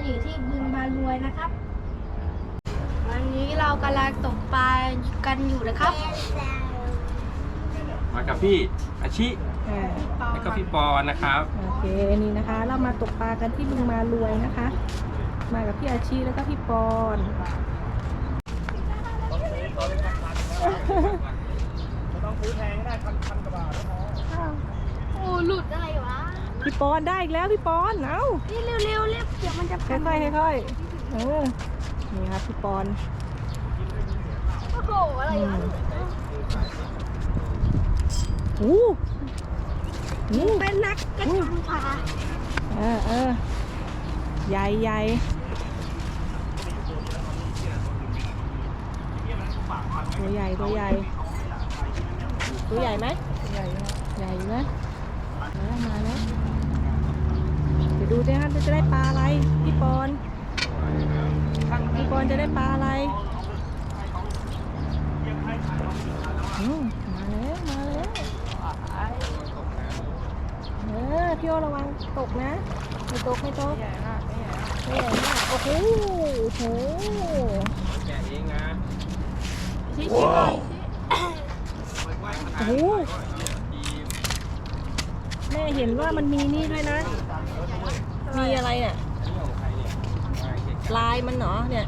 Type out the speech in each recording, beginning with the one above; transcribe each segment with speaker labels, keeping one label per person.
Speaker 1: อยู่ที่บึงบารวยนะครับวันนี้เรากำลังตกปลากันอยู่นะครับ
Speaker 2: มากับพี่อาชิแล้วก็พี่ปอนนะครับ
Speaker 3: โอเคนี่นะคะ เรามาตกปลากันที่บึงบารวยนะคะ มากับพี่อาชีแล้วก็พี่ปอน
Speaker 2: ต้องซื้อแพงได้พันกว่าบาท
Speaker 1: โอ้หลุดอะไรวะ
Speaker 3: พี่ปอนได้อีกแล้วพี่ปอนเอ้า
Speaker 1: นี่เร็วเดี๋ยวมันจะ
Speaker 3: ค่อยนี่ครับพี่ปอน
Speaker 1: โอ้โหอะไรวะเป็นนักกระชังปลา
Speaker 3: ใหญ่ตัวใหญ่ไหมใหญ่นะมาแล้วเดี๋ยวดูด้วยครับจะได้ปลาอะไรพี่ปอนจะได้ปลาอะไรมาแล้วพี่โอระวังตกนะไม่ตกไม่ใหญ่มากโอ้โห
Speaker 2: แกะเองนะ
Speaker 3: ว้าวโอ้โหแม่เห็นว่ามันมีนี่ด้วยนะมีอะไรเนี่ยลายมันเหรอเนี่ย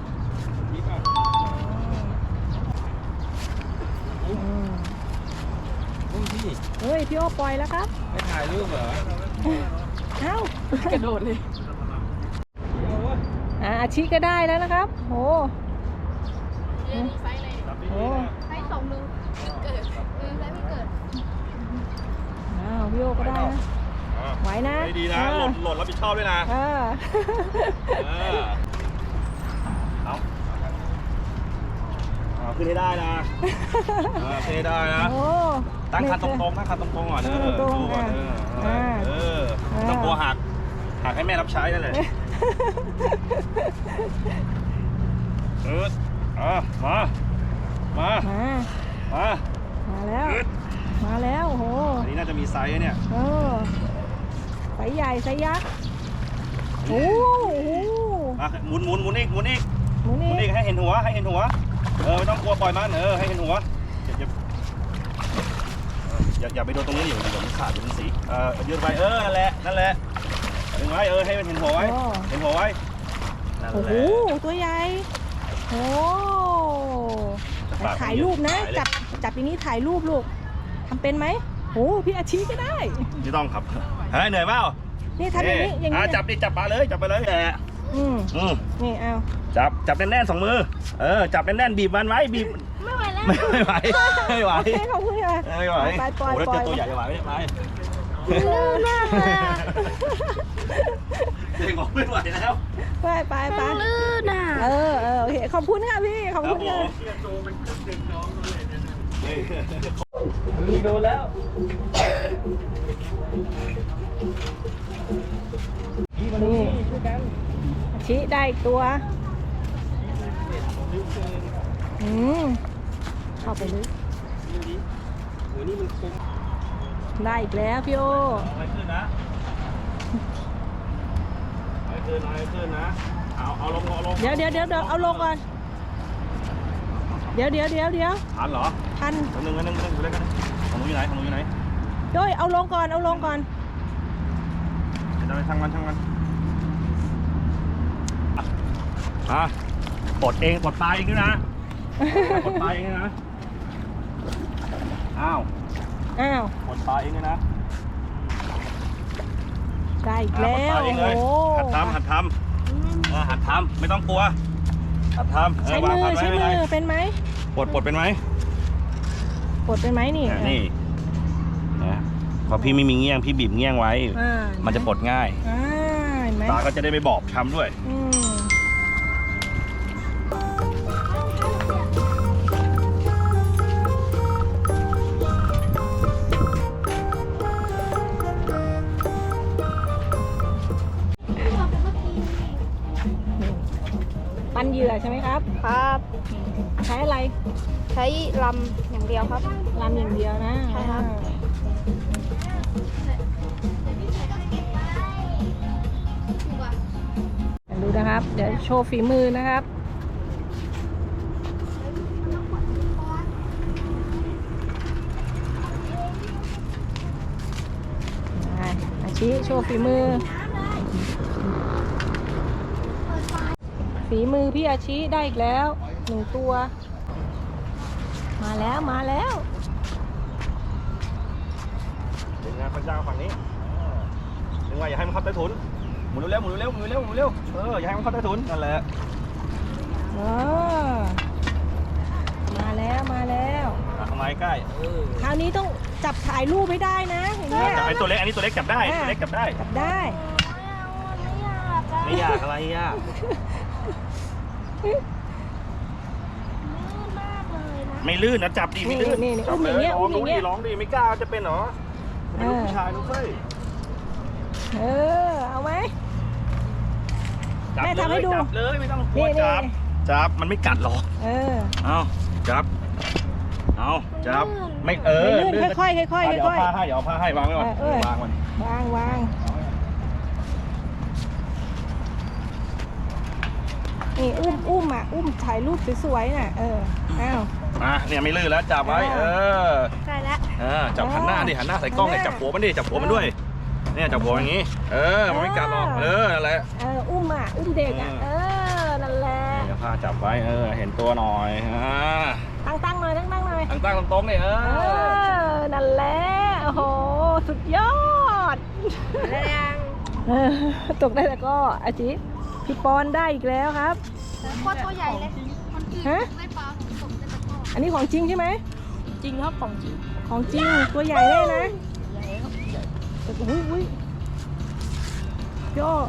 Speaker 3: เฮ้ยพี่โอปล่อยแล้วครับ
Speaker 2: ไม่ถ่ายรูปเหรอ
Speaker 3: เอ้ากระโดดเลยอาชิก็ได้แล้วนะครับโอ้
Speaker 1: ไซส์เลยไซส์2 มือเกิดไซส์ไม่เกิด
Speaker 3: พี่โอก็ได้นะไหวนะ
Speaker 2: ดีนะหล่นรับผิดชอบด้วยนะขึ้นให้ได้นะขึ้นให้ได้นะตั้งคันตรงๆก่อนต้องกลัวหักให้แม่รับใช้นั่นแหละ
Speaker 3: มาแล้วโอ้โห
Speaker 2: อันนี้น่าจะมีไซส์เนี่ย
Speaker 3: ไซส์ใหญ่ไซส์ยักษ์โอ้โห
Speaker 2: หมุนอีกให้เห็นหัวไม่ต้องกลัวปล่อยมันให้เห็นหัวอย่าไปโดนตรงนี้เดี๋ยวมันขาดเดี๋ยวมันสียืดไปนั่นแหละดึงไว้ให้มันเห็นหัวไว้
Speaker 3: โอ้โหตัวใหญ่โอ้ถ่ายรูปนะจับอย่างนี้ถ่ายรูปลูกทำเป็นไหมโอ้พี่อาชีก็ได้
Speaker 2: ไม่ต้องครับเหนื่อยเปล่า
Speaker 3: นี่ทำอย่างนี้
Speaker 2: จับปลาเลยไปเลย
Speaker 3: นี่เอา
Speaker 2: จับแน่นๆ2 มือจับแน่นๆบีบมันไว้บีบ
Speaker 1: ไม่ไหวแล้ว
Speaker 2: ไม่ไหว
Speaker 3: ขอบคุณค่ะ
Speaker 2: ไม่ไหว
Speaker 3: ปล่อย
Speaker 2: เจอตัวใหญ่จะไหวไหม
Speaker 1: ลื่นมากเลย
Speaker 2: เด็กบอกไม่ไหวแล้ว
Speaker 3: ไป
Speaker 1: ลื่นอ่ะ
Speaker 3: โอเคขอบคุณค่ะพี่ขอบคุณค่ะ
Speaker 2: โดนแล้ว
Speaker 3: นี่ชี้ได้ตัวเข้าไปลึกได้อีกแล้วพี่โอ
Speaker 2: ไม่ขึ้นนะเอาลง
Speaker 3: เดี๋ยวเอาลงก่อนเดี๋ยว
Speaker 2: ทันเหรอ
Speaker 3: ทัน
Speaker 2: นึงอยู่ด้วยกันของหนูอยู่ไหน
Speaker 3: ด้วยเอาลงก่อน
Speaker 2: จะไปช่างมันปลดปลาเองด้วยนะปลดปลาเองนะอ้าวปลดปลาเองด้วยนะ
Speaker 3: ได้อีกแล้ว
Speaker 2: โอ้โหหัดทำไม่ต้องกลัวหัดทำ
Speaker 3: ใช้มือเป็นไหม
Speaker 2: ปลดเป็นไหม
Speaker 3: นี่
Speaker 2: นะพอพี่ไม่มีเงี้ยงพี่บีบเงี้ยงไว้มันจะปลดง่ายตาก็จะได้ไม่บอบช้ำด้วย
Speaker 3: ปั้นเหยื่อใช่ไหมครับใช้อะไร
Speaker 1: ใช้ลำอย่างเดียวครับ
Speaker 3: ลำอย่างเดียวนะ
Speaker 1: ใช่ครับ
Speaker 3: ดูนะคะนะครับ เดี๋ยวโชว์ฝีมือนะครับอาชิโชว์ฝีมือ ฝีมือพี่อาชิได้อีกแล้ว1 ตัว มาแล้วมาแล้ว
Speaker 2: ดึงงานพระเจ้าฝั่งนี้ดึงไว้อย่าให้มันเข้าใต้ถุนหมุนเร็วหมุนเร็วหมุนเร็วหมุนเร็วอย่าให้มันเข้าใต้ถุนนั่นแหละ
Speaker 3: มาแล้วมาแล้ว
Speaker 2: ทำไมใกล้
Speaker 3: คราวนี้ต้องจับถ่ายรูปให้ได้นะอย่างเงี้ย
Speaker 2: ไอตัวเล็กอันนี้ตัวเล็กจับได้ตัวเล็กจับได้
Speaker 3: จับได้
Speaker 2: ไม่ยากอะไรยากไม่ลื่นนะจับดีไม่ลื่น
Speaker 3: นี่อุ้มอย่างเงี้ย
Speaker 2: ล
Speaker 3: อุ้
Speaker 2: อ
Speaker 3: ม
Speaker 2: ง
Speaker 3: อ
Speaker 2: ดู
Speaker 3: ย่าง
Speaker 2: ดิ
Speaker 3: เงี้ย
Speaker 2: ร้องดิไม่กล้าจะเป็นเหรอเป็นลูกผู้ชายลูกเฟ้ย
Speaker 3: เอาไหม
Speaker 2: จับ
Speaker 3: แม่ทำให้ดู
Speaker 2: จับเลยไม่ต้องกลัวจับมันไม่กัดหรอกเอาจับเอาจับไม่
Speaker 3: ลื่นค่อยๆค่อยๆ
Speaker 2: เดี๋ยว
Speaker 3: ค่อย
Speaker 2: ผ้าให้เดี๋ยวผ้าให้วางไว้ก่อนวางมัน
Speaker 3: ๆวางนี่อุ้มอ่ะอุ้มถ่ายรูปสวยๆน่ะอ้าว
Speaker 2: เนี่ยไม่ลื่นแล้วจับไว้
Speaker 1: ใช่แล้ว
Speaker 2: จับหันหน้าดิหันหน้าใส่กล้องเนี่ยจับหัวมันดิจับหัวมันด้วยเนี่ยจับหัวอย่างงี้มันไม่กัดหรอกนั่นแหละ
Speaker 3: อุ้มเด็กอ่ะนั่นแหละ
Speaker 2: เดี๋ยวผ้าจับไว้เห็นตัวหน่อย
Speaker 3: ตั้งหน่อยตั้งหน่อย
Speaker 2: ตั้งตรงๆเนี่ย
Speaker 3: นั่นแหละโอ้โหสุดยอด
Speaker 1: แล้วยัง
Speaker 3: ตกได้แล้วก็อาจิพี่ปอนได้อีกแล้วครับ
Speaker 1: โคตรตัวใหญ่เลยได้ปลาตกได้ตะก้อ
Speaker 3: อันนี้ของจริงใช่ไหม
Speaker 1: จริงครับของจริง
Speaker 3: ตัวใหญ่เลยนะอุ้ยย่อ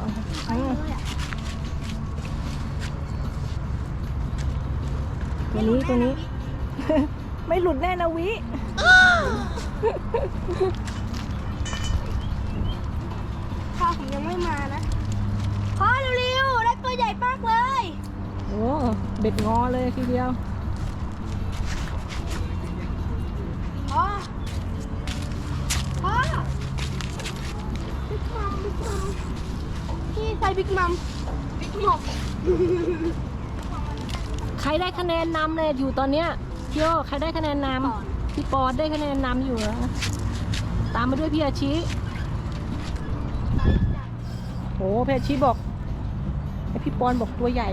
Speaker 3: ตัวนี้ ไม่หลุดแน่นะวิ
Speaker 1: พ่อผมยังไม่มานะพ่อเร็วๆได้ตัวใหญ่มากเลย
Speaker 3: โอ้เบ็ดงอเลยทีเดียว
Speaker 1: พ่อบิ๊กมัมพี่ใส่บิ๊กมัม
Speaker 3: ใครได้คะแนนนำเลยอยู่ตอนเนี้ยพี่โอใครได้คะแนนนำพี่ปอได้คะแนนนำอยู่นะตามมาด้วยพี่อาชิโอ้พี่อาชิบอกไอพี่ปอนบอกตัวใหญ่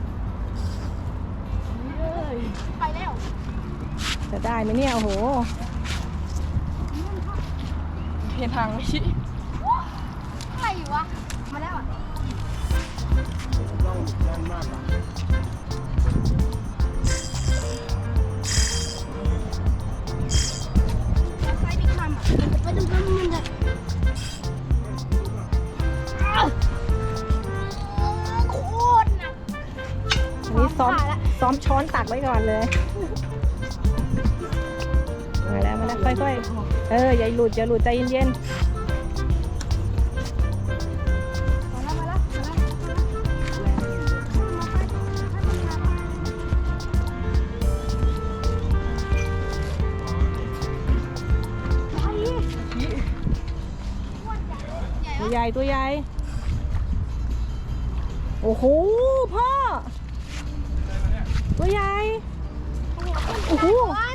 Speaker 1: ไปแล้ว
Speaker 3: จะได้ไหมเนี่ยโอ้โห
Speaker 1: เพียนทางไม่ใช่อะไรวะมาแล้วอ่ะไปบิ๊กมัมไปดูกันมันเลยโคตรหนัก
Speaker 3: นี่ซ้อมช้อนตักไว้ก่อนเลยมาแล้วค่อยๆอย่าหลุดใจเย็นตัวใหญ่โอ้โหพ่อตัวใหญ่โอ้โห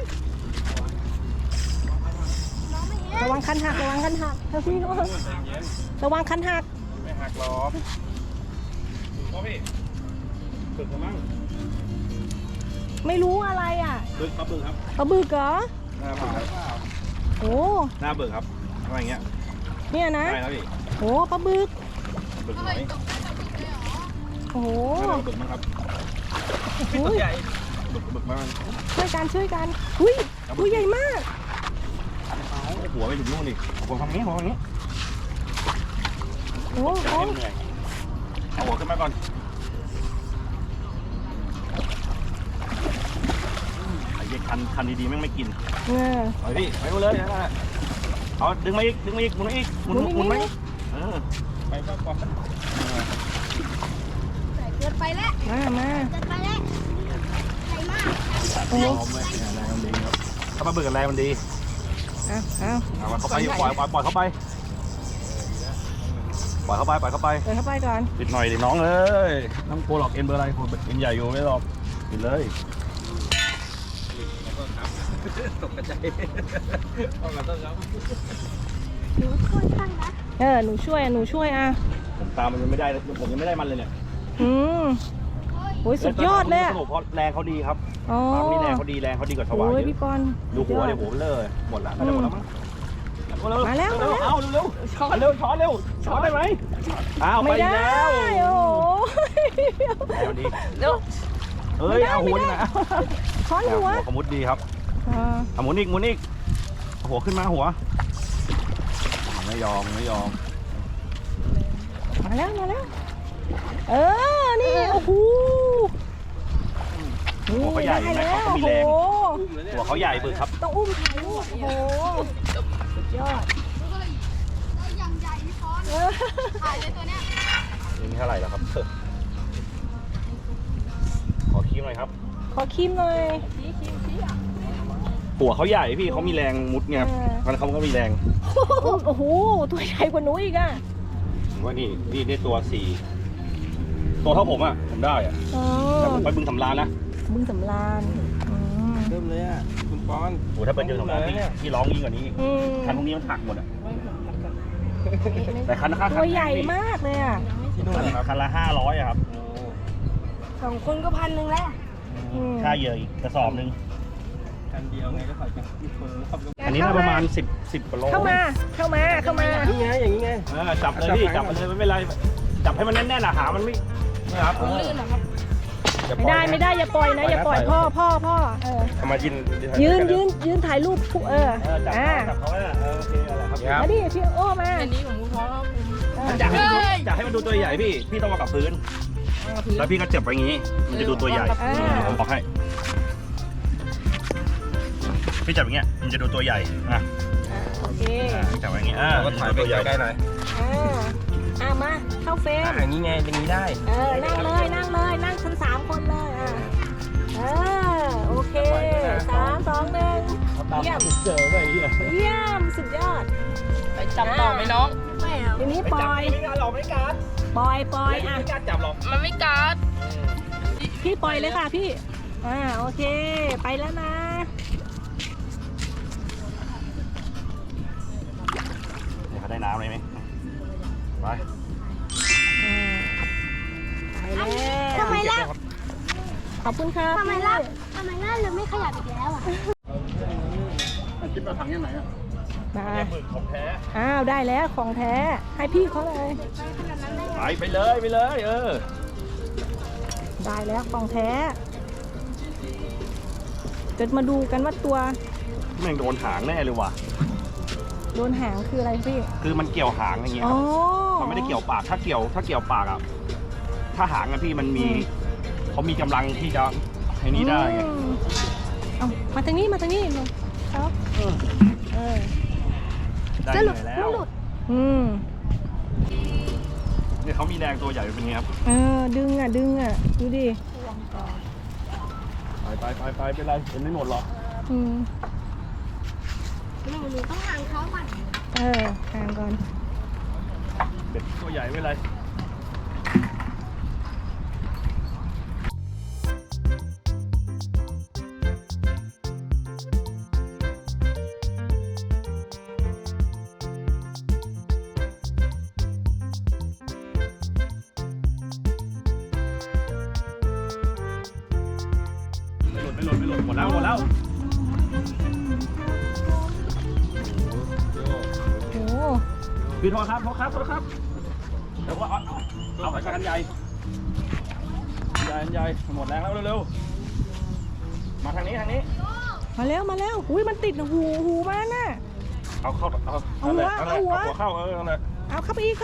Speaker 3: ระวังคันหักเฮ้ยพี่ระวังคันหัก
Speaker 2: ไม่หักหรอกพ่อพี่ฝึกกันมั้ง
Speaker 3: ไม่รู้อะไรอ่ะ
Speaker 2: ปลาบึกครับ
Speaker 3: ปลาบึกเหรอ
Speaker 2: หน้าบึก
Speaker 3: โอ้
Speaker 2: หน้าบึกครับอะไรอย่างเงี้ย
Speaker 3: เนี่ยนะ
Speaker 2: ใช่ครับพี่
Speaker 3: โอ้ปลาบึก
Speaker 2: ไหน
Speaker 3: โอ้โห
Speaker 2: บึกมั้งครับตัวใหญ่บึกมาก
Speaker 3: ช่วยกันอุ้ยตัวใหญ่มาก
Speaker 2: หัวไปถึงนู่นดิหัวทำงี้
Speaker 3: โอ้โห
Speaker 2: เอาหัวขึ้นมาก่อนไอ้เด็กคันดีๆไม่กินเอาพี่ไปเลยนะเอาดึงมาอีกหมุนไหมไปก่อน
Speaker 1: เกิดไปแล้ว
Speaker 3: มา
Speaker 1: เกิดไปแล้วใหญ่มาก
Speaker 2: โอ้แรงมันดีครับถ้ามาเบิกกันแรงมันดีเอาเข้าไปปล่อยเข้าไปปล่อยเข้าไปปล่อยเข้าไป
Speaker 3: เปิดเข้าไปก่อน
Speaker 2: ปิดหน่อยดิน้องเอ้ยน้องโกหลอกเอ็นเบอร์อะไรโกเอ็นใหญ่อยู่ไม่หรอกปิดเลยตกกระจายต้องกันต้องครับ
Speaker 1: หนูค่อยข้างนะ
Speaker 3: หนูช่วยอ่ะ
Speaker 2: ผมตามมันยังไม่ได้ผมยังไม่ได้มันเลยเนี่ย
Speaker 3: โอ้ยสุดยอดเลยอะ
Speaker 2: เพราะแรงเขาดีครับ
Speaker 3: อ๋อ
Speaker 2: ตามนี่แรงเขาดีกว่าชาวบ้าน
Speaker 3: โอ้ย
Speaker 2: เย
Speaker 3: พี่
Speaker 2: อะ
Speaker 3: ปอน
Speaker 2: ดูหัวเดี๋ยวหัวเลยหมดละน่าจะหมดแล้วมั้ง
Speaker 3: มาแล้ว
Speaker 2: เอาเร็วช้อนเร็วช้อนได้ไหมอ้าวไป
Speaker 3: ไม่ได้
Speaker 2: แล้ว
Speaker 3: โอ้โห
Speaker 2: แล้วดี
Speaker 3: เดี๋ยว
Speaker 2: เอ้ยเอาหัวนี่นะ
Speaker 3: ช้อนหัว
Speaker 2: ขมุดดีครับ
Speaker 3: อ่า
Speaker 2: เอาหมุนอีกหัวขึ้นมาหัวไม่ยอม
Speaker 3: มาแล้วนี่โอ้โห
Speaker 2: หัวเขาใหญ่
Speaker 3: ได้
Speaker 2: นะ
Speaker 3: แล้ว
Speaker 2: เขาก็
Speaker 3: โอ้
Speaker 2: มี
Speaker 3: โห
Speaker 2: แรงหัวเขาใหญ่บึกครับ
Speaker 3: ต้องอุ้มถ่ายรูปโอ้โหสุดยอด
Speaker 1: ได้ยังใหญ่พี่พรถ่ายเลยตัวเนี้ย
Speaker 2: นี่เท่าไหร่แล้วครับขอคีมหน่อยครับ
Speaker 3: ขอคิมหน่อย
Speaker 2: หัวเขาใหญ่พี่เขามีแรงมุดไงครับมันเขาก็มีแรง
Speaker 3: โอ้โหตัวใหญ่กว่าหนูอีกอ่ะ
Speaker 2: ผมว่านี่ได้ตัวตัวเท่าผมอ่ะผมได้อ่ะ
Speaker 3: อ๋อ
Speaker 2: แต่ผมไปบึงสำราญนะ
Speaker 3: บึงสำราญ
Speaker 4: เริ่มเลยอ่ะคุณปอน
Speaker 2: โอ้ถ้าเป็นบึงสำราญพี่ร้องยิ่งกว่านี้อีก
Speaker 3: อืม
Speaker 2: คันพวกนี้มันหักหมดอ่ะแต่คันข้าง
Speaker 3: ตัวใหญ่มากเลยอ่ะ
Speaker 4: ที่นู่นนะครับ
Speaker 2: คันละ500อะครับ
Speaker 1: 2 คนก็1,000แล้ว
Speaker 2: ค่าเหยื่ออีกกระสอบหนึ่ง
Speaker 4: คันเดียวไงก็ขอจับที่คนรอบ
Speaker 2: อันนี้น่าประมาณ10กว่าโล
Speaker 3: เข้ามา
Speaker 4: นี่ไงอย่างนี้ไง
Speaker 2: จับเลยพี่จับเลยไม่เป็นไรจับให้มันแน่นๆอะหามันไม่ครับ
Speaker 1: ลื่นเหรอครับ
Speaker 3: ไม่ได้อย่าปล่อยนะอย่าปล่อยพ่อเออ
Speaker 4: ทำมายื
Speaker 3: ยืนถ่ายรูปทุก
Speaker 2: จับ
Speaker 3: อ่า
Speaker 2: เขาโอเคอะไรครับ
Speaker 4: ครับ
Speaker 3: มาดิพี่โอ้มา
Speaker 1: อันนี้ของคุณพ่อครับ
Speaker 2: จับให้มันดูตัวใหญ่พี่ต้องมากับพื้นแล้วพี่ก็จับไปอย่างนี้ มันจะดูตัวใหญ่ผมบอกให้พี่จับอย่างเงี้ยมันจะดูตัวใหญ่อ่ะ
Speaker 3: โอเค
Speaker 2: จับอย่างเงี้ย
Speaker 4: ก็ถ่ายไปใกล้ๆหน่อย
Speaker 3: มาเข้าเฟรม
Speaker 4: อย่างนี้ไงอย่างนี้ได้
Speaker 3: นั่งนั่งชั้น3 คนเลยโอเค3 2 1เยี่ยม
Speaker 2: เจอไปเหี้ย
Speaker 3: เยี่ยมสุดยอด
Speaker 1: ไปจับต่อไหมน้องไม่เอา
Speaker 3: ทีนี้ปล่อย
Speaker 2: ไม่การหรอกไม่การ
Speaker 3: ปล่อยอ่ะ
Speaker 2: ไม่การจับหรอก
Speaker 1: มันไม่กัด
Speaker 3: พี่ปล่อยเลยค่ะพี่โอเคไปแล้วนะ
Speaker 2: เดี๋ยวเขาได้น้ำเลยไหมไป
Speaker 3: ไปแล้ว
Speaker 1: ทำไมล่ะ
Speaker 3: ขอบคุณครับ
Speaker 1: ทำไมล่ะเราไม่ขยับอีกแล้วอ่ะ
Speaker 2: คิดมาถังยังไงอ่ะ
Speaker 3: มา
Speaker 2: เนี่ยหมึกของแท้
Speaker 3: ได้แล้วของแท้ให้พี่เขาเลย
Speaker 2: ไปเลย
Speaker 3: ได้แล้วของแท้จะมาดูกันว่าตัว
Speaker 2: แม่งโดนหางแน่เลยว่ะ
Speaker 3: โดนหางคืออะไรพี่
Speaker 2: คือมันเกี่ยวหางอย่างเงี้ยครับมันไม่ได้เกี่ยวปากถ้าเกี่ยวปากอ่ะถ้าหางอะพี่มันมีเขามีกำลังที่จะไอ้นี้ได้ไง
Speaker 3: เอามาทางนี้ครับ
Speaker 2: ได้เลยแล้ว เนี่ยเขามีแรงตัวใหญ่เป็นไงครับ
Speaker 3: ดึงดูดิ
Speaker 2: ไปเป็นไรเป็นไม่หมดหรอก
Speaker 1: หนูต้องห่างเขาก่อน
Speaker 3: ห่างก่อน
Speaker 2: เด็กตัวใหญ่ไม่เป็นไรไม่หล่นหมดแล้ว
Speaker 3: โอ้
Speaker 2: พี่โทษครับเดี๋ยวเอาไปกันใหญ่หมดแรงแล้วเร็วๆมาทางนี้
Speaker 3: มาแล้วอุ้ยมันติดหูมันน่ะ
Speaker 2: เอาเข้าเอา
Speaker 3: เอาหัว
Speaker 2: เข้านั่นแหละ
Speaker 3: เอาเข้าไปอีก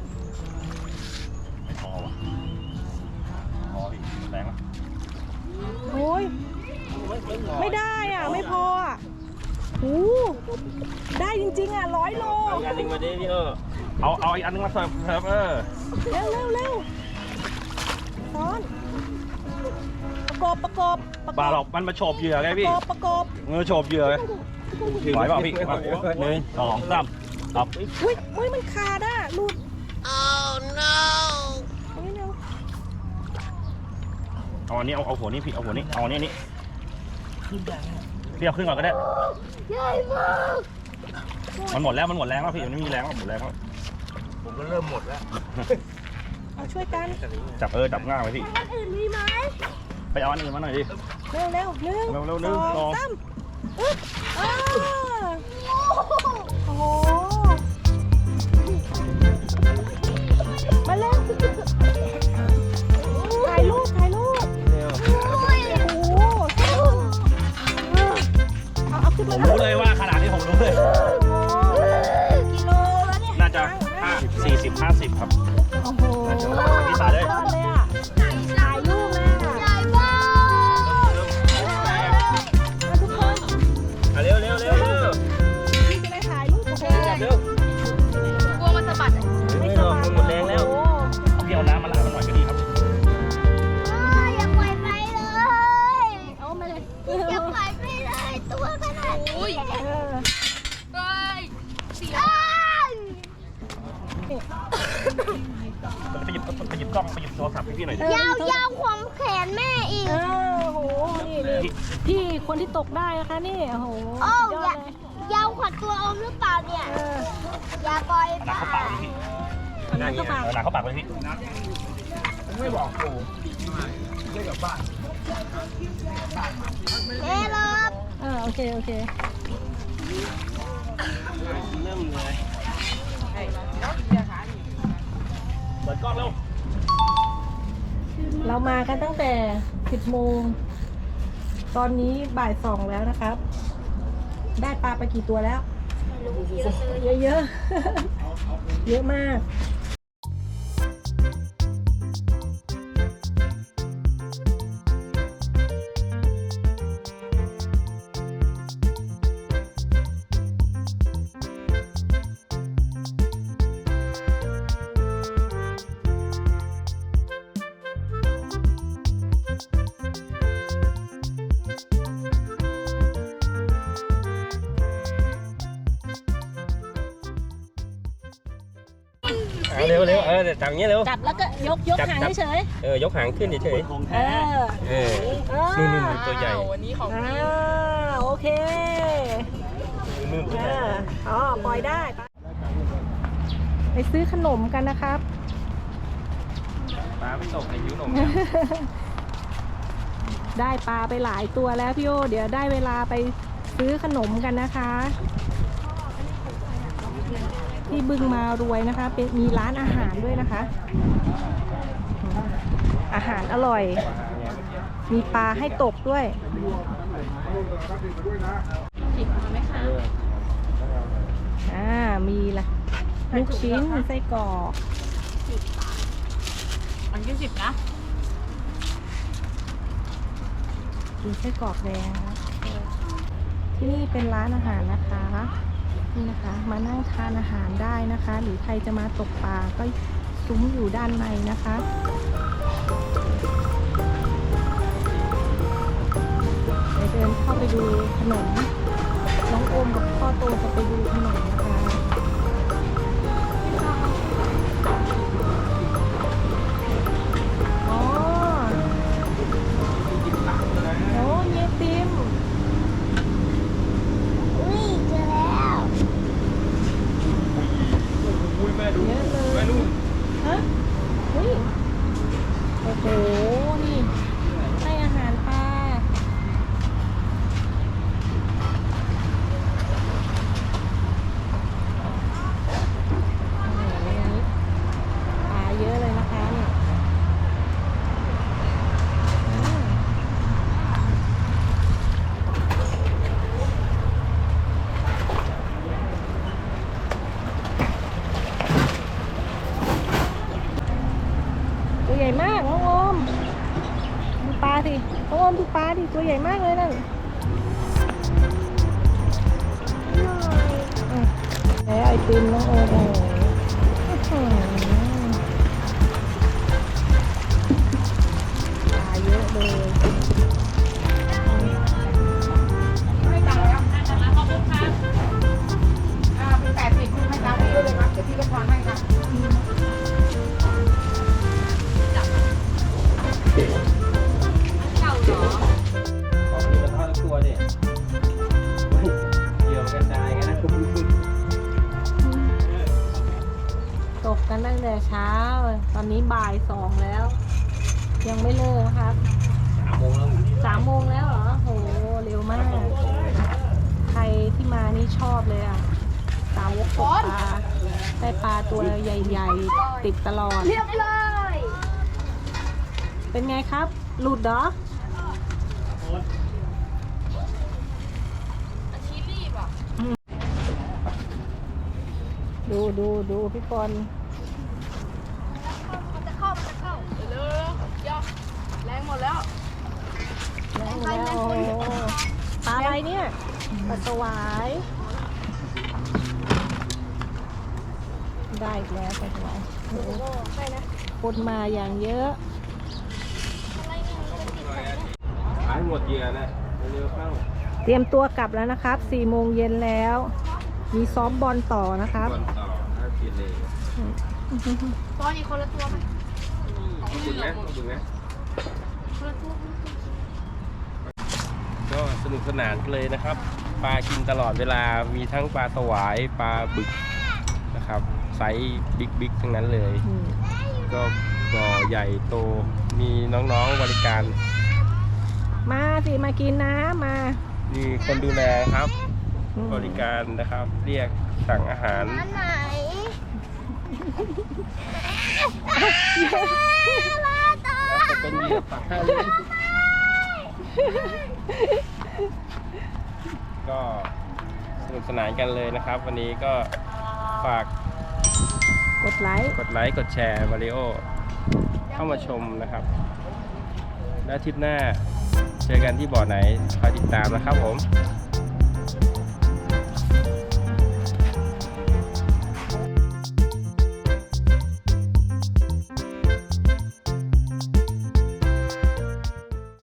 Speaker 2: ไม่พอว่ะพออีกแรงละ
Speaker 3: โอ้ยไม่ได้อ่ะไม่พออ่ะได้จริงๆอ่ะ100 โล
Speaker 4: เอางานลิงมาดิพี่
Speaker 2: เอาอีกอันนึงมาเสิร์ฟ
Speaker 3: เร็วซ้อนประกบ
Speaker 2: ปลาหรอกมันมาโฉบเหยื่อไงพี่
Speaker 3: ประกบ
Speaker 2: มันมาโฉบเหยื่อไงไหวเปล่าพี่1 2 3ครับ
Speaker 3: อุ้ยมันขาดอ่ะหลุด
Speaker 2: เอาอันนี้เอาหัวนี้พี่เอาหัวนี้เอาอันนี้พี่เอาขึ้นก่อนก็ได้
Speaker 1: ใหญ่มาก
Speaker 2: มันหมดแล้วพี่มันไม่มีแรงแล้วหมดแรงแล้ว
Speaker 4: ผมก็เริ่มหมดแล้ว
Speaker 3: เอาช่วยกัน
Speaker 2: จับจับง่ายไว้พี่
Speaker 1: อันอื่นมีไหม
Speaker 2: ไปเอาอันอื่นมาหน่อยดิ
Speaker 3: เร็วเร็วหนึ่ง
Speaker 2: เร็วหนึ่งสอง
Speaker 3: สามอึ๊บโอ้โหมาเร็วถ่ายรูป
Speaker 4: เร็ว
Speaker 3: โอ้โหเอาขึ้น
Speaker 2: ผ
Speaker 3: มา
Speaker 2: มรู้เลยว่าขนาดนี้ผมรู้เลย
Speaker 3: กิโลแล้วเนี่ย
Speaker 2: น่าจะ40-50 ครับ
Speaker 3: โอ้โห
Speaker 2: พี่สาเลย
Speaker 3: ยอดเลยอ่ะถ่ายรูปเลยอ่ะ
Speaker 1: ใหญ่มาก
Speaker 3: มาทุกคน
Speaker 4: เร็ว
Speaker 3: พี่จะได้ถ่ายรูปโอ้โห
Speaker 4: จับเร็ว
Speaker 1: กลัวมันสะบัด
Speaker 4: ไม่หรอกมันหมดแรงแล้ว
Speaker 3: โอ้
Speaker 2: เอาพี่เอาน้ำมาล้างมันหน่อยก็ดีครับ
Speaker 1: อย่าปล่อยไปเลย
Speaker 3: เอามาเลย
Speaker 1: อย่าปล่อยไปเลยตัวขนาดนี้
Speaker 3: เออ
Speaker 1: เฮ้ยเสีย
Speaker 2: ไปหยิบกล้องไปหยิบโทรศัพท์ให้พี่หน่อยดิ
Speaker 1: ยาวขวางแขนแม่อีก
Speaker 3: เออโอ้โห นี่พี่คนที่ตกได้นะคะนี่ โอ้โห
Speaker 1: โอ้
Speaker 3: ยอดเลย
Speaker 1: ยาวขวัญตัวอมหรือเปล่าเนี่ย
Speaker 3: เออ
Speaker 1: อย่าปล่อย
Speaker 2: น้ำเข้าปากเลยพี่
Speaker 3: เอาน้ำเข้าปาก
Speaker 2: น้ำเข้าปากเลยพี่
Speaker 1: แม่รอบ
Speaker 3: โอเค
Speaker 4: เริ่มเลย
Speaker 2: เปิดกล้องเร็ว
Speaker 3: เรามากันตั้งแต่ 10 โมง ตอนนี้บ่าย 2 แล้วนะครับ ได้ปลาไปกี่ตัวแล้ว เยอะๆ เยอะมาก
Speaker 4: เร็วเดี๋ยวจับอย่างเงี้ยเร็ว
Speaker 3: จับแล้วก็ยกหางเฉย
Speaker 4: ยกหางขึ้นเฉย
Speaker 2: ของ
Speaker 3: ๆ
Speaker 2: แท้
Speaker 4: นู่นตัวใหญ่
Speaker 3: โอเค
Speaker 4: นู่นตัวใหญ่
Speaker 3: ปล่อยได้ ไปซื้อขนมกันนะครับ
Speaker 4: ปลาไม่ตกในหิวนม
Speaker 3: ได้ปลาไปหลายตัวแล้วพี่โอเดี๋ยวได้เวลาไปซื้อขนมกันนะคะ ที่บึงมารวยนะคะเป็นมีร้านอาหารด้วยนะคะ อาหารอร่อย มีปลาให้ตกด้วยมีละลูกชิ้นไส้กรอกมัน20 นะกินไส้กรอกแดงนะที่นี่เป็นร้านอาหารนะคะนี่นะคะมานั่งทานอาหารได้นะคะ หรือใครจะมาตกปลาก็ซุ้มอยู่ด้านในนะคะเดี๋ยวเดินเข้าไปดูขนมน้องโอมกับพ่อโตจะไปดูขนมนะคะอ๋อโอ้เยติม
Speaker 1: อุ้ยเจอแล้ว
Speaker 3: เยอะเลยฮะเฮ้ยโอ้โห นี่ให้อาหารปลาปลาเยอะเลยนะคะเนี่ยตัวใหญ่มากน้องโอมดูปลาสิน้องโอมดูปลาดิตัวใหญ่มากเลยนั่นแล้วไอติมน้องโอมโอ้โหปลาเยอะเลยตั้งแต่เช้า ตอนนี้บ่าย 2แล้ว ยังไม่เลิกนะครับ
Speaker 4: 3 โมงแล้ว
Speaker 3: 3 โมงแล้วเหรอโหเร็วมาก ใครที่มานี่ชอบเลยอ่ะ สาวกตกปลา ได้ปลาตัวใหญ่ๆ ติดตลอด
Speaker 1: เรียบเลย
Speaker 3: เป็นไงครับ หลุดเหรอ ดูพี่ปอน
Speaker 1: มันจะเข้าเร็วๆย่อแรงหมดแล้ว
Speaker 3: แล้วโอ้โหปลาอะไรเนี่ยปลาสวาย ได้อีกแล้วปลาสวายโอ้โหคนมาอย่างเยอะ
Speaker 4: ขายหมดเหยื่อนะเร็วๆเข้า
Speaker 3: เตรียมตัวกลับแล้วนะครับ 4 โมงเย็นแล้ว มีซ้อมบอลต่อนะครับ
Speaker 4: ก่อนต่อถ้ากินเลย
Speaker 1: ตอนนี้คนละตัวไหม
Speaker 4: ถึงนะถึงนะ
Speaker 1: คนละตัว
Speaker 4: ก็สนุกสนานเลยนะครับ ปลากินตลอดเวลา มีทั้งปลาสวาย ปลาบึกนะครับ ไซส์บิ๊กๆทั้งนั้นเลย ก็บ่อใหญ่โต มีน้องๆบริการ
Speaker 3: มาสิมากินน้ำมา
Speaker 4: มีคนดูแลครับ บริการนะครับ เรียกสั่งอาหาร
Speaker 1: อันไหน
Speaker 4: จะเป็นเหยื่อปักให้เลยก็สนุกสนานกันเลยนะครับ วันนี้ก็ฝาก
Speaker 3: กดไลค์
Speaker 4: กดไลค์กดแชร์มาริโอเข้ามาชมนะครับ และอาทิตย์หน้าเจอกันที่บ่อไหนคอยติดตามนะครับผม